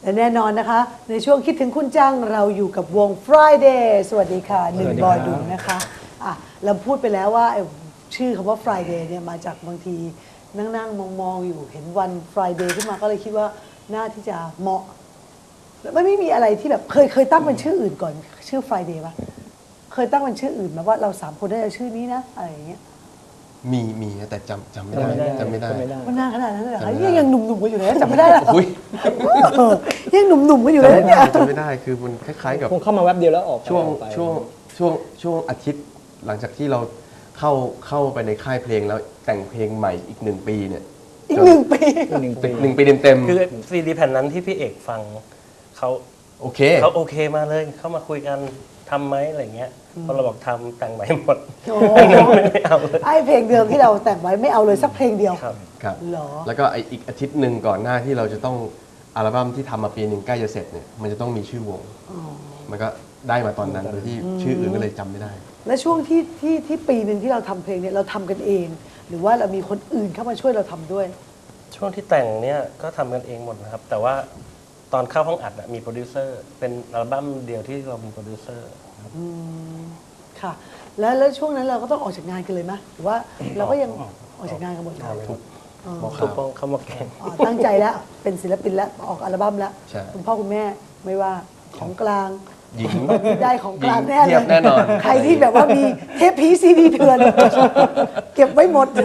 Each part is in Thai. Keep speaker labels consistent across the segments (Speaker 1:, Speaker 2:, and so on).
Speaker 1: และแน่นอนนะคะในช่วงคิดถึงคุณจังเราอยู่กับวง Friday สวัสดีค่ะหนึ่งบอดูนะคะเราพูดไปแล้วว่าชื่อคำว่า Friday เนี่ยมาจากบางทีนั่งมองอยู่เห็นวัน Friday ขึ้นมาก็เลยคิดว่าน่าที่จะเหมาะไม่มีอะไรที่แบบเคยตั้งเป็นชื่ออื่นก่อนชื่อ Friday ป่ะเคยตั้งเป็นชื่ออื่นมาว่าเรา3คนได้ชื่อนี้นะอะไรอย่างเงี้ย
Speaker 2: มีแต่จำไม่ได้
Speaker 1: มันนานขนาดนั้นเลยเหรอคะยังหนุ่มๆกันอยู่เลยจำไม่ได้หรอยังหนุ่มๆกันอยู่เลยเนี่ย
Speaker 2: จำไม่ได้คือมันคล้ายๆกับ
Speaker 3: คงเข้ามาแวบเดียวแล้วออก
Speaker 2: ช่วงอาทิตย์หลังจากที่เราเข้าไปในค่ายเพลงแล้วแต่งเพลงใหม่อีก1 ปีเนี่ย
Speaker 1: อีก1 ปี
Speaker 2: 1 ปีเต็ม
Speaker 4: คือซีดีแผ่นนั้นที่พี่เอกฟังเขาโอเคมาเลยเข้ามาคุยกันทำไหมอะไรเงี้ยพอเราบอกทำแต่งใหม่หมดไม่เอาเลย
Speaker 1: ไอ้เพลงเดิมที่เราแต่งไว้ไม่เอาเลยสักเพลงเดียว
Speaker 2: ครับแล้วก็อีกอาทิตย์หนึ่งก่อนหน้าที่เราจะต้องอัลบั้มที่ทำมาปีหนึ่งใกล้จะเสร็จเนี่ยมันจะต้องมีชื่อวงมันก็ได้มาตอนนั้นโดยที่ชื่ออื่นก็เลยจำไม่ได้
Speaker 1: และช่วงที่ปีหนึ่งที่เราทำเพลงเนี่ยเราทำกันเองหรือว่าเรามีคนอื่นเข้ามาช่วยเราทำด้วย
Speaker 4: ช่วงที่แต่งเนี่ยก็ทำกันเองหมดนะครับแต่ว่าตอนเข้าห้องอัดมีโปรดิวเซอร์เป็นอัลบั้มเดียวที่เรามีโปรดิวเซอร์
Speaker 1: ค่ะแล้วช่วงนั้นเราก็ต้องออกจากงานกันเลยไหมหรือว่าเราก็ยังออกจากงานกันหมดเลย
Speaker 4: ทุกป้องเข้ามาแข่ง
Speaker 1: ตั้งใจแล้วเป็นศิลปินแล้วออกอัลบั้มแล้วคุณพ่อคุณแม่ไม่ว่าของกลาง
Speaker 2: หญิง
Speaker 1: ได้ของกลางแน่เลย
Speaker 2: แน่นอน
Speaker 1: ใครที่แบบว่ามีเทปพีซีดีเถื่อนเก็บไว้หมด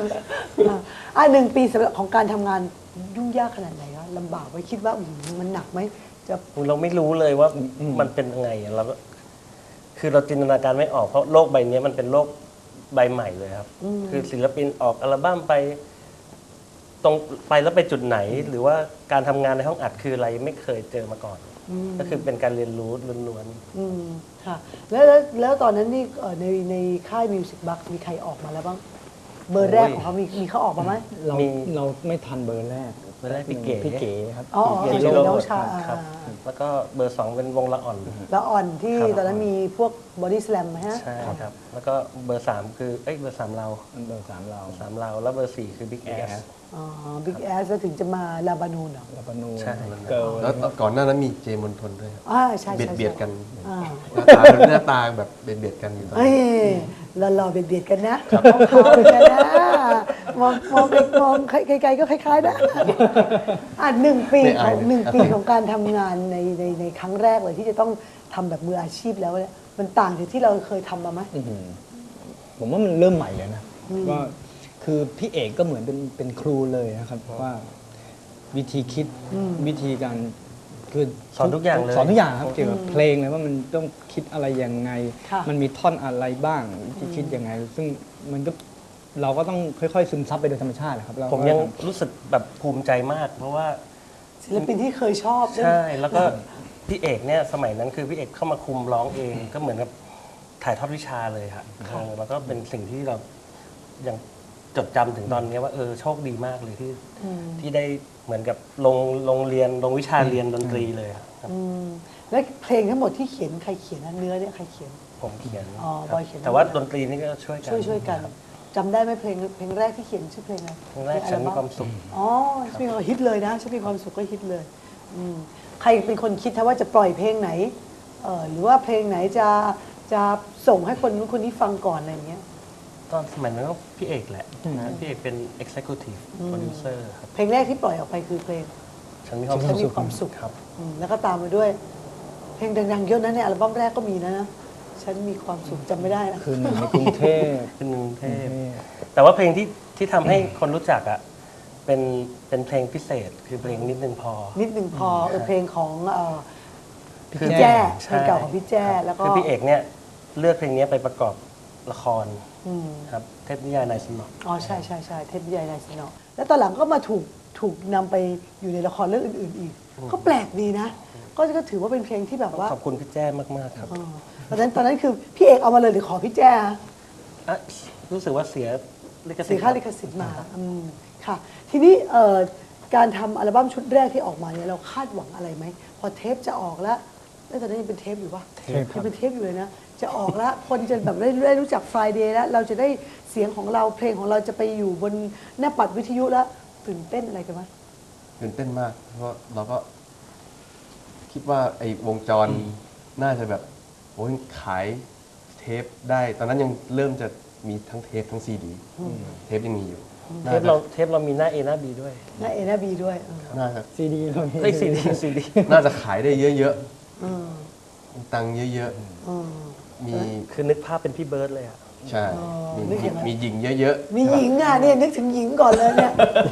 Speaker 1: 1 ปีสำหรับของการทำงานยุ่งยากขนาดไหนคะลำบากไว้คิดว่ามันหนักไหม
Speaker 4: เราไม่รู้เลยว่ามันเป็นยังไงเราคือเราจินตนาการไม่ออกเพราะโลกใบนี้มันเป็นโลกใบใหม่เลยครับคือศิลปินออกอัลบั้มไปตรงไปแล้วไปจุดไหนหรือว่าการทำงานในห้องอัดคืออะไรไม่เคยเจอมาก่อนก็คือเป็นการเรียนรู้ล้วน
Speaker 1: ๆค่ะแล้วตอนนั้นนี่ในค่ายมิวสิกบัคมีใครออกมาแล้วบ้างเบอร์แรกของเขามีเขาออกมาไหม
Speaker 3: เราไม่ทันเบอร์แรก
Speaker 4: พี่เก๋
Speaker 3: ครับ
Speaker 1: เก๋น้องชาย
Speaker 4: ครับแล้วก็เบอร์2เป็นวงละ
Speaker 1: อ่อนที่ตอนนั้นมีพวกบอดี้สแลมไหมฮะ
Speaker 4: ใช่ครับแล้วก็เบอร์3คือเบอร์3เราแล้วเบอร์4คือบิ๊กแอส
Speaker 1: บิ๊กแอสแล้วถึงจะมาลาบานูนเหรอ
Speaker 3: ลาบานูน
Speaker 4: ใช่
Speaker 2: แล้วก่อนหน้านั้นมีเจมอนทนด้วย
Speaker 1: ใช่
Speaker 2: เบียดกันหน้าตาแบบเบียดกันอยู่ตอน
Speaker 1: นี้หล่อเบียดกันนะขาวๆกันนะมองไกลๆก็คล้ายๆนะ1 ปีของการทำงานในครั้งแรกเลยที่จะต้องทำแบบมืออาชีพแล้วเนี่ยมันต่างจากที่เราเคยทำมาไหม
Speaker 3: ผมว่ามันเริ่มใหม่เลยนะก็คือพี่เอกก็เหมือนเป็นครูเลยนะครับเพราะว่าวิธีคิดวิธีการคือ
Speaker 4: สอนทุกอย่างเลย
Speaker 3: สอนทุกอย่างครับเกี่ยวกับเพลงเลยว่ามันต้องคิดอะไรยังไงมันมีท่อนอะไรบ้างวิธีคิดยังไงซึ่งมันก็เราก็ต้องค่อยๆซึมซับไปโดยธรรมชาติครับ
Speaker 4: ผมยังรู้สึกแบบภูมิใจมากเพราะว่า
Speaker 1: ศิลปินที่เคยชอบ
Speaker 4: ใช่แล้วก็พี่เอกเนี่ยสมัยนั้นคือพี่เอกเข้ามาคุมร้องเองก็เหมือนกับถ่ายทอดวิชาเลยครับแล้วก็เป็นสิ่งที่เรายังจดจำถึงตอนนี้ว่าโชคดีมากเลยที่ได้เหมือนกับลงเรียนลงวิชาเรียนดนตรีเลยครับ
Speaker 1: และเพลงทั้งหมดที่เขียนใครเขียนเนื้อเนี่ยใครเขียน
Speaker 4: ผมเขียน
Speaker 1: บอยเขียน
Speaker 4: แต่ว่าดนตรีนี่ก็ช่วย
Speaker 1: กันจำได้ไหมเพลงแรกที่เขียนชื่อเพลงอะไร
Speaker 4: เพลงแรกฉันมีความสุข
Speaker 1: ฉันมีความฮิตเลยนะฉันมีความสุขก็ฮิตเลยใครเป็นคนคิดว่าจะปล่อยเพลงไหนหรือว่าเพลงไหนจะส่งให้คนนู้นคนนี้ฟังก่อนอะไรอย่างเงี้ย
Speaker 4: ตอนสมัยนั้นก็พี่เอกแหละพี่เอกเป็น executive producer ครับ
Speaker 1: เพลงแรกที่ปล่อยออกไปคือเพลง
Speaker 4: ฉันมีความสุข
Speaker 1: ครับแล้วก็ตามมาด้วยเพลงดังๆเยอะนะในอัลบั้มแรกก็มีนะฉันมีความสุขจำไม่ได้นะ
Speaker 3: คือในกรุงเทพ
Speaker 4: แต่ว่าเพลงที่ทำให้คนรู้จักอ่ะเป็นเพลงพิเศษคือเพลงนิดนึงพอ
Speaker 1: เพลงของพี่แจ้เพลงเก่าของพี่แจ้แล้วก็
Speaker 4: คือพี่เอกเนี่ยเลือกเพลงนี้ไปประกอบละครครับเทพนิยายนายสนอ
Speaker 1: ใช่เทพนิยายนายสนอแล้วตอนหลังก็มาถูกนำไปอยู่ในละครเรื่องอื่นๆอีกก็แปลกดีนะก็ถือว่าเป็นเพลงที่แบบว่า
Speaker 4: ขอบคุณพี่แจ้มากๆครับ
Speaker 1: ตอนนั้นคือพี่เอกเอามาเลยหรือขอพี่แจ้
Speaker 4: รู้สึกว่าเสีย
Speaker 1: ค่าลิขสิทธิ์มาค่ะทีนี้การทำอัลบั้มชุดแรกที่ออกมาเนี่ยเราคาดหวังอะไรไหมพอเทปจะออกแล้วตอนนั้นยังเป็นเทปอยู่ปะยังเป็นเทปอยู่เลยนะจะออกแล้วคนจะแบบได้รู้จัก Friday แล้วเราจะได้เสียงของเราเพลงของเราจะไปอยู่บนหน้าปัดวิทยุแล้วตื่นเต้นอะไรกันไหม
Speaker 2: ตื่นเต้นมากเพราะเราก็คิดว่าไอ้วงจรน่าจะแบบโอ้ยขายเทปได้ ตอนนั้นยังเริ่มจะมีทั้งเทปทั้งซีดีเทปยังมีอยู่
Speaker 4: เทปเรามีหน้า A หน้า B ด้วย
Speaker 1: หน้าเอหน้าบีด้วย
Speaker 2: น่าจะ
Speaker 3: ซีดีเรามี
Speaker 4: เฮ้ย CD
Speaker 2: น่าจะขายได้เยอะ
Speaker 1: อืม
Speaker 2: ๆตังค์เยอะ
Speaker 1: อืม
Speaker 2: ๆมี
Speaker 4: คือนึกภาพเป็นพี่เบิร์ดเลยอะ
Speaker 2: ใช่
Speaker 1: อ๋อ
Speaker 2: มี
Speaker 1: นึกเห็นไหม
Speaker 2: มีหญิงเยอะ
Speaker 1: มีหญิงอ่ะเนี่ยนึกถึงหญิงก่อนเลยเนี่ย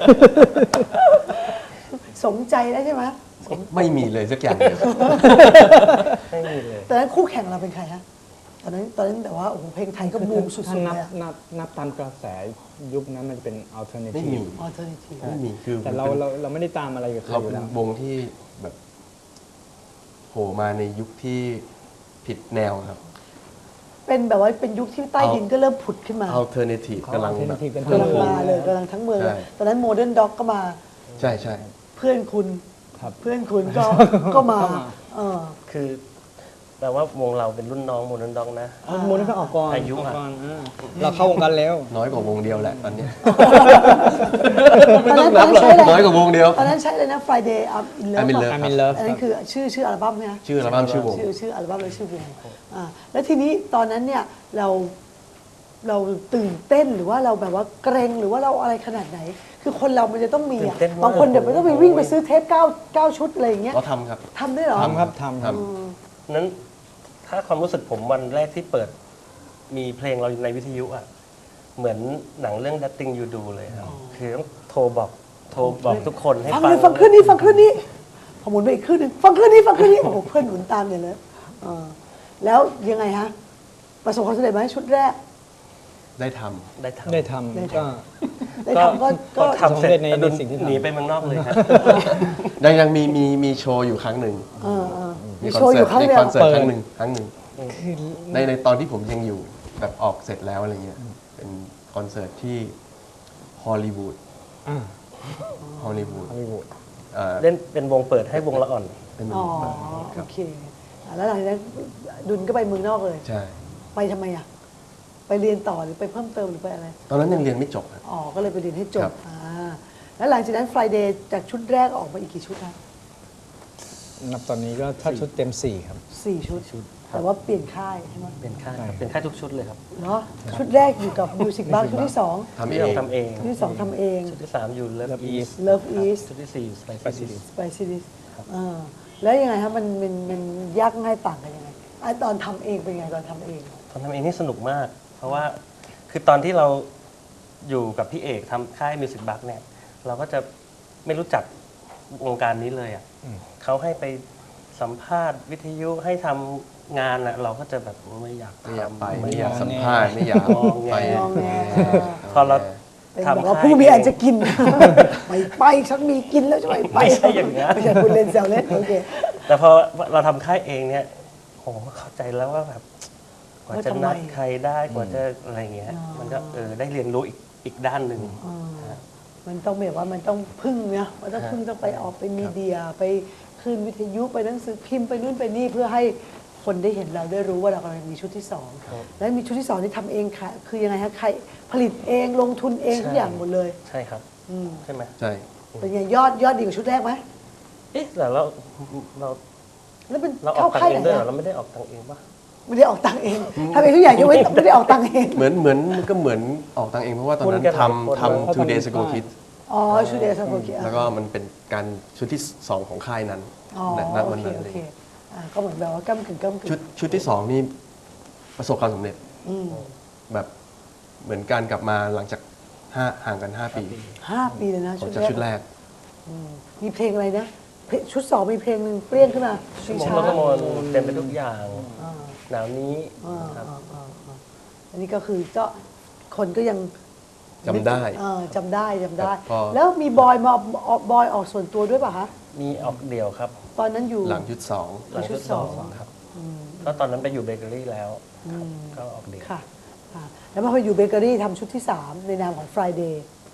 Speaker 1: สมใจแล้วใช่ไหม
Speaker 2: ๆไม่มีเลยสักอย่างเดียว
Speaker 4: ไม่มีเลย
Speaker 1: ตอนนั้นคู่แข่งเราเป็นใครฮะตอนนั้นแต่ว่าโอ้โหเพลงไทยก็บูมสุด
Speaker 3: ถ้า
Speaker 1: ๆ
Speaker 3: นั
Speaker 1: เล
Speaker 3: บ
Speaker 1: ยอะ
Speaker 3: นับตามกระแสยุคนั้นมันจะเป็น
Speaker 2: ไม่
Speaker 3: alternative
Speaker 2: มี
Speaker 1: ออเทอร์เนทีฟ
Speaker 2: ไม่มีคือ
Speaker 3: แต่เราไม่ได้ตามอะไรกับใคร
Speaker 2: เรา
Speaker 3: อยู่
Speaker 2: เป็น
Speaker 3: แล้ว
Speaker 2: วงที่แบบโผล่มาในยุคที่ผิดแนวครับ
Speaker 1: เป็นแบบว่าเป็นยุคที่ใต้ดินก็เริ่มผุดขึ้นมา
Speaker 2: alternative
Speaker 3: เขา
Speaker 2: กำลังแบบ
Speaker 3: alternative กัน
Speaker 1: กำลังมาเลยกำลังทั้งเมืองเลย
Speaker 2: ใช่
Speaker 1: ตอนนั้นโมเดิร์นด็อกก็มา
Speaker 2: ใช่ใช่
Speaker 1: เพื่อนคุณ
Speaker 3: ครับ
Speaker 1: เพื่อนคุณก็มา
Speaker 3: ก็มา
Speaker 1: เออ
Speaker 4: คือแปลว่าวงเราเป็นรุ่นน้องโมเดิร์นด็อกนะ
Speaker 3: มูลนิธิออกก่อน
Speaker 4: อายุ
Speaker 3: ออก
Speaker 4: อะ
Speaker 3: ก่อนเราเข้าวงการแล้ว
Speaker 2: น้อยกว่าวงเดียวแหละตอนเนี้ย
Speaker 1: ตอนนั้นใช้อะไร
Speaker 2: น้อยกว่าวงเดียว
Speaker 1: ตอนนั้นใช้เลยนะ Friday I'm in Love
Speaker 2: I'm in Love
Speaker 3: I'm in love
Speaker 1: อันนั้นคือชื่ออัลบั้มใช่ไหม
Speaker 2: ชื่ออัลบั้มชื่อวง
Speaker 1: ชื่ออัลบั้มและชื่อวงแล้วทีนี้ตอนนั้นเนี่ยเราตื่นเต้นหรือว่าเราแบบว่าเกรงหรือว่าเราอะไรขนาดไหน คือคนเรามันจะต้องมี
Speaker 4: ตื่
Speaker 1: อะ
Speaker 4: นเต้นมาก
Speaker 1: บางคนเดี๋ยวไม่ต้องไปวิ่งไปซื้อเทป9 ชุดอะไรอย่างเงี้ย
Speaker 2: เราทำครับ
Speaker 1: ทำด้วยเหรอ
Speaker 3: ทำครับทำครับ
Speaker 4: นั้นถ้าความรู้สึกผมวันแรกที่เปิดมีเพลงเราในวิทยุอ่ะเหมือนหนังเรื่อง That Thing You Do เลยครับคือต้องโทรบอกทุกคนให้
Speaker 1: ฟัง
Speaker 4: ฟัง
Speaker 1: เลยฟังขึ้นนี้ฟังขึ้นนี้พอหมุนไปอีกขึ้นหนึ่งฟังขึ้นนี้ฟังขึ้นนี้โอ้โหเพื่อนหนุนตามเนี่ยเลยแล้วยังไงฮะประสบความสำเร็จไหมชุดแรก
Speaker 2: ได้ท
Speaker 4: ได้ทำ
Speaker 3: ได้ทำก็
Speaker 1: ได้ทำก็
Speaker 4: พอทำเสร็จ
Speaker 3: ใน
Speaker 4: อดุล
Speaker 3: สิ่งที่ทำ
Speaker 4: หนีไปเมืองนอกเลยครับ
Speaker 2: ำยังมีโชว์อยู่ครั้งหนึ่ง
Speaker 1: มีโชว์อยู่ครั้งเดียว
Speaker 2: มีคอนเสิร์ต
Speaker 3: เปิด
Speaker 2: ครั้งหนึ่งในตอนที่ผมยังอยู่แบบออกเสร็จแล้วอะไรเงี้ยเป็นคอนเสิร์ตที่ฮอลลีวูด
Speaker 3: อ่า
Speaker 2: ฮอลลีวูด
Speaker 3: ฮอลลีวูด
Speaker 4: เล่นเป็นวงเปิดให้วงละอ่อน
Speaker 2: เป็น
Speaker 1: อ๋อ
Speaker 2: ค
Speaker 1: โอ
Speaker 2: รับ
Speaker 1: เคแล้วหลังจากนั้นดุลก็ไปเมืองนอกเลย
Speaker 2: ใช่
Speaker 1: ไปทำไมอ่ะไปเรียนต่อหรือไปเพิ่มเติมหรือไปอะไร
Speaker 2: ตอนนั้นยังเรียนไม่จบครับ
Speaker 1: อ๋อก็เลยไปเรียนให้จ
Speaker 2: ครับ บ
Speaker 1: แล้วหลังจากนั้น Friday จากชุดแรกออกมาอีกกี่ชุดนะ
Speaker 3: นับตอนนี้ก็ถ้าชุดเต็ม 4 ครับ
Speaker 1: 4 ชุด แต่ว่าเปลี่ยนค่ายใช่ไหม
Speaker 4: เป็นค่าย
Speaker 3: ใช่
Speaker 4: เป็นค่ายทุกชุดเลยครับ
Speaker 1: เนาะชุดแรกอยู่กับ Music Bar ชุดที่ 2
Speaker 2: ทำ
Speaker 4: ที่
Speaker 2: เอ
Speaker 4: เรา
Speaker 2: ง
Speaker 4: ทำเอง
Speaker 1: ชุดที่ 2ทำเอง
Speaker 4: ชุดที่ 3 อยู่ Love East
Speaker 1: Love East
Speaker 4: ชุดที่ 4 Spicy Dish
Speaker 1: Spicy Dish แล้วยังไงครับมันยากง่ายต่างกันยังไงตอนทำเองเป็นไงตอนทำเอง
Speaker 4: ตอนทำเองนี่สนุกมาก เพราะว่าคือตอนที่เราอยู่กับพี่เอกทำค่าย Music Box เนี่ย เราก็จะไม่รู้จักวงการนี้เลยอ่ะเขาให้ไปสัมภาษณ์วิทยุให้ทำงานอ่ะเราก็จะแบบไม่อยาก
Speaker 2: ไม่อยากไป
Speaker 4: ทำ
Speaker 2: ไม่อยากสัมภาษณ์ไม่อยาก
Speaker 4: งอแง
Speaker 2: ไป
Speaker 1: งอแง
Speaker 4: พอเรา
Speaker 1: เป็น
Speaker 4: ทำ
Speaker 1: บอกว่า
Speaker 4: ค่าย
Speaker 1: ผู้มีอันจะกิน ไม่ไปฉันมีกินแล้วจะไม่ไป
Speaker 4: ไม่ใช่อย่างนั้น
Speaker 1: ไม่ใช่คุณเล่นแซวเล่นโอเค
Speaker 4: แต่พอเราทำค่ายเองเนี่ยโอ้โหเข้าใจแล้วว่าแบบกว่าจะนัดใครได้กว่าจะอะไรเงี้ย มันก็ได้เรียนรู้อีกด้านหนึ่ง
Speaker 1: มันต้องแบบว่ามันต้องพึ่งนะมันต้องพึ่งต้องไปออกไปมีเดียไปคืนวิทยุไปหนังสือพิมพ์ไปนู่นไปนี่เพื่อให้คนได้เห็นเราได้รู้ว่าเรากำลังมีชุดที่สองและมีชุดที่สองที่ทำเองค่ะคือยังไงฮะใครผลิตเองลงทุนเองทุกอย่างหมดเลย
Speaker 4: ใช่ครับใช่ไหม
Speaker 2: ใช่
Speaker 1: เป็นไงยอดดีกว่าชุดแรกไหม
Speaker 4: เอ๊ะแต่เรา
Speaker 1: แล้วเป็น
Speaker 4: ออ
Speaker 1: เข้าก
Speaker 4: ตัง
Speaker 1: ค่าย
Speaker 4: ค์
Speaker 1: ไห
Speaker 4: เอน งด้วยเหรอ
Speaker 1: อะ
Speaker 4: เราไม่ได้ออกตังค์เองปะ
Speaker 1: ไม่ได้ออกตังค์เองทำเองทุกอย่างยกเว้นไม่ได้ออกตังค์เอง
Speaker 2: เหมือนก็เหมือนออกตังค์เองเพราะว่าตอนนั้น
Speaker 4: คนกันหลายคน
Speaker 2: ทำ Two Days Ago Kids
Speaker 1: อ๋อชุดเดซาโกกิ
Speaker 2: แล้วก็มันเป็นการชุดที่ 2 ของค่ายนั้น
Speaker 1: อ๋อ
Speaker 2: ณ
Speaker 1: โอ
Speaker 2: วัน
Speaker 1: เค
Speaker 2: นั้น
Speaker 1: โอ
Speaker 2: เลย
Speaker 1: เคก็เหมือนแบบว่าก้ำกึ่งก้ำกึ่ง
Speaker 2: ชุดที่ 2 นี่ประสบความสำเร็จแบบเหมือนการกลับมาหลังจากห่างกัน 5 ปี
Speaker 1: 5 ปีเลยนะ
Speaker 2: ของจากชุดแรก
Speaker 1: มีเพลงอะไรนะชุดสองมีเพลงหนึ่งเปรี้ยงขึ้นมา
Speaker 4: ชั่วโมง
Speaker 1: ช้า
Speaker 4: รถมนเต็มไปทุกอย่างหนาวนี้ครับ
Speaker 1: อันนี้ก็คือก็คนก็ยัง
Speaker 2: จำได้
Speaker 1: จำได้
Speaker 2: ครับพอ
Speaker 1: แล้วมีบอยมาบอยออกส่วนตัวด้วยป่ะฮะ
Speaker 4: มีออกเดี่ยวครับ
Speaker 1: ตอนนั้นอยู่
Speaker 2: หลังชุด
Speaker 4: หลังชุด
Speaker 1: ชุดสอง
Speaker 4: 2ครับก็ตอนนั้นไปอยู่เบเกอรี่แล้วก็ออกเดี่ยว
Speaker 1: ค่ะแล้วมาพออยู่เบเกอรี่ทำชุดที่ 3 ในนามของ Friday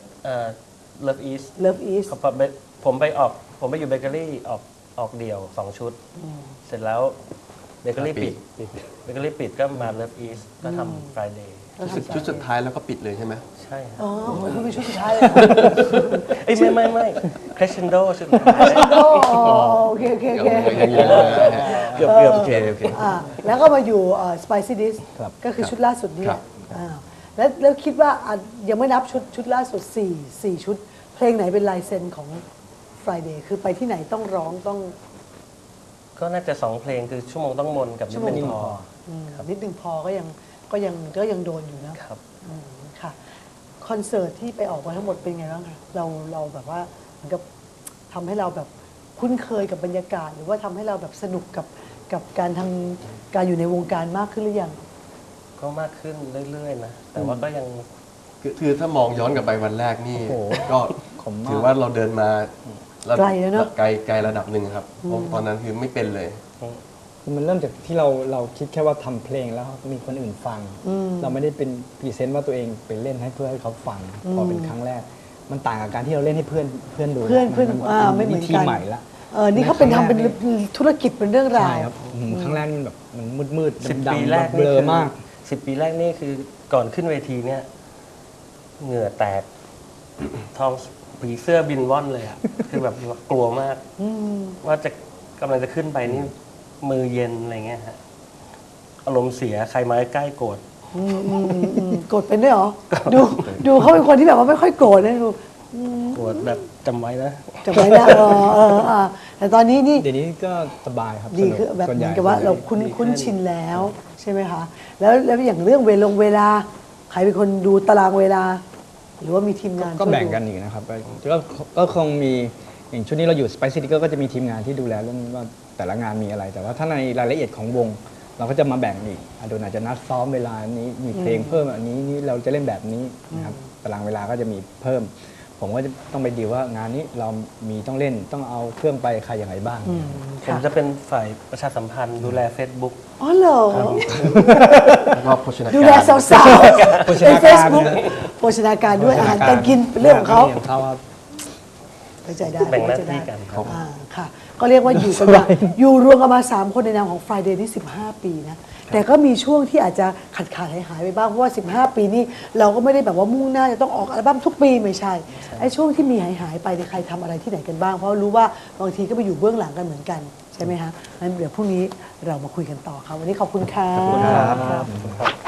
Speaker 4: Love East
Speaker 1: Love East
Speaker 4: ผมไปอยู่เบเกอรี่ออกเดี่ยว 2 ชุด เสร็จแล้วเบเกอรี่ปิดก็มา Love East ก็ทำ Friday
Speaker 2: ชุดสุดท้ายแล้วก็ปิดเลยใช่ไหม
Speaker 4: ใช่ครับ
Speaker 1: อ๋อโหคุณเป็นชุดสุดท้ายเลย
Speaker 4: เอ้ยไม่คร e เชนโดชุด
Speaker 1: โอเคโอเคโอเค
Speaker 2: อย่างนี้เลย
Speaker 4: เกือบ
Speaker 2: โอเคโอเค
Speaker 1: แล้วก็มาอยู่Spicy Dish
Speaker 3: ครับ
Speaker 1: ก็คือชุดล่าสุดนี่
Speaker 2: ครับ
Speaker 1: แล้วคิดว่ายังไม่นับชุดล่าสุด4ชุด เพลงไหนเป็นลายเซ็นของ Friday คือไปที่ไหนต้องร้องต้อง
Speaker 4: ก็น่าจะ2เพลงคือชั่วโมงต้องมนกับนิดนึงพอ
Speaker 1: นิดนึงพอก็ยังโดนอยู่นะครับ ค่ะคอนเสิร์ตที่ไปออกมาทั้งหมดเป็นไงบ้างคะเราแบบว่าเหมือนกับทำให้เราแบบคุ้นเคยกับบรรยากาศ หรือว่าทำให้เราแบบสนุกกับการอยู่ในวงการมากขึ้นหรือยัง
Speaker 4: ก็มากขึ้นเรื่อยๆนะ แต่ว่าก็ยัง
Speaker 2: คือถ้ามองย้อนกลับไปวันแรกนี่
Speaker 3: โอ้โห
Speaker 2: ก็
Speaker 3: ขมมาก
Speaker 2: ถือว่าเราเดินมา
Speaker 1: ไกลแล้วเนอะ
Speaker 2: ไกลระดับหนึ่งครับเพราะตอนนั้นคือไม่เป็นเลย
Speaker 3: คือมันเริ่มจากที่เราคิดแค่ว่าทำเพลงแล้วมีคนอื่นฟัง เราไม่ได้เป็นพรีเซนต์ว่าตัวเองไปเล่นให้เพื่อให้เขาฟัง พอเป็นครั้งแรก มันต่างกับการที่เราเล่นให้เพื่อนดู
Speaker 1: เพื่อนไม่เหมือน
Speaker 3: วิธี
Speaker 1: กัน
Speaker 3: ใหม่ละ
Speaker 1: นี่เขาเป็นทำเป็นธุรกิจเป็นเรื่องราว
Speaker 3: ใช่ครับครั้งแรกมันแบบมันมืด
Speaker 4: 10
Speaker 3: ดำ
Speaker 4: ปี
Speaker 3: ๆ
Speaker 4: แรก
Speaker 3: เบ
Speaker 4: นี่
Speaker 3: ลอ
Speaker 4: คือ
Speaker 3: มาก
Speaker 4: 10 ปีแรกนี่คือก่อนขึ้นเวทีเนี่ย เหงื่อแตกท้องผีเสื้อบินว่อนเลยอะคือแบบกลัวมากว่าจะกำลังจะขึ้นไปนี่มือเย็นอะไรเงี้ยฮะอารมณ์เสียใครมาใกล้โกรธ
Speaker 1: โกรธเป็นด้วยเหรอ ดูเขาเป็นคนที่แบบว่าไม่ค่อยโกรธนะดู
Speaker 4: โกรธแบบจำไว้นะ
Speaker 1: จำไว้นะแต่ตอนนี้นี่
Speaker 3: เดี๋ยวนี้ก็สบายครับ
Speaker 1: ดี
Speaker 3: สนุก
Speaker 1: คือแบบ
Speaker 3: ส่วน
Speaker 1: เห
Speaker 3: ให
Speaker 1: มือ
Speaker 3: ญ่
Speaker 1: นกับว่าเราคุ้นชินแล้วใช่ไหมคะแล้วอย่างเรื่องเวลาใครเป็นคนดูตารางเวลา หรือว่ามีทีมงาน
Speaker 3: ก็
Speaker 1: ช่วย
Speaker 3: แบ่ง
Speaker 1: ดู
Speaker 3: กันอีกนะครับก็คงมีอย่างชุดนี้เราอยู่ Spicy Dish ก็จะมีทีมงานที่ดูแลเรื่องว่าแต่ละงานมีอะไร แต่ว่าถ้าในรายละเอียดของวง เราก็จะมาแบ่งอีกโดยอาจจะนัดซ้อมเวลานี้มีเพลงเพิ่มอันนี้นี่เราจะเล่นแบบนี้นะครับตารางเวลาก็จะมีเพิ่ม ผมก็จะต้องไปดีลว่างานนี้เรามีต้องเล่นต้องเอาเครื่องไปใครอย่างไรบ้าง
Speaker 4: ผมจะเป็นฝ่ายประชาสัมพันธ์ดูแล Facebook
Speaker 1: อ๋อเหรอ
Speaker 2: แล้วก็โภชนา
Speaker 1: ดู
Speaker 2: การ
Speaker 1: แลสาวๆ
Speaker 3: โภช
Speaker 1: ใน
Speaker 3: นา
Speaker 1: เฟ
Speaker 3: การ
Speaker 1: ซบุ๊กโภชนาการด้วยอาหารการกินเป็นเรื่องของเขา
Speaker 3: เขาครับ
Speaker 1: เข้าใจได้
Speaker 4: แบ่งหน้า
Speaker 1: เข้ใจ
Speaker 4: ที่
Speaker 1: ได้
Speaker 4: กันครับ
Speaker 1: ค่ะ ก็เรียกว่าอยู่กันมาอยู่รวมกันมา 3 คนในนามของ Friday ที่15 ปีนะ แต่ก็มีช่วงที่อาจจะขาดหายไปบ้าง เพราะว่า 15 ปีนี่เราก็ไม่ได้แบบว่ามุ่งหน้าจะต้องออกอัลบั้มทุกปีไม่ใช่ ไอ้ช่วงที่มีหายไปเนี่ยใครทำอะไรที่ไหนกันบ้าง เพราะรู้ว่าบางทีก็ไปอยู่เบื้องหลังกันเหมือนกันใช่ไหมคะงั้นเดี๋ยวพรุ่งนี้เรามาคุยกันต่อค่ะวันนี้ขอบคุณค่ะ
Speaker 3: ขอบคุณครับ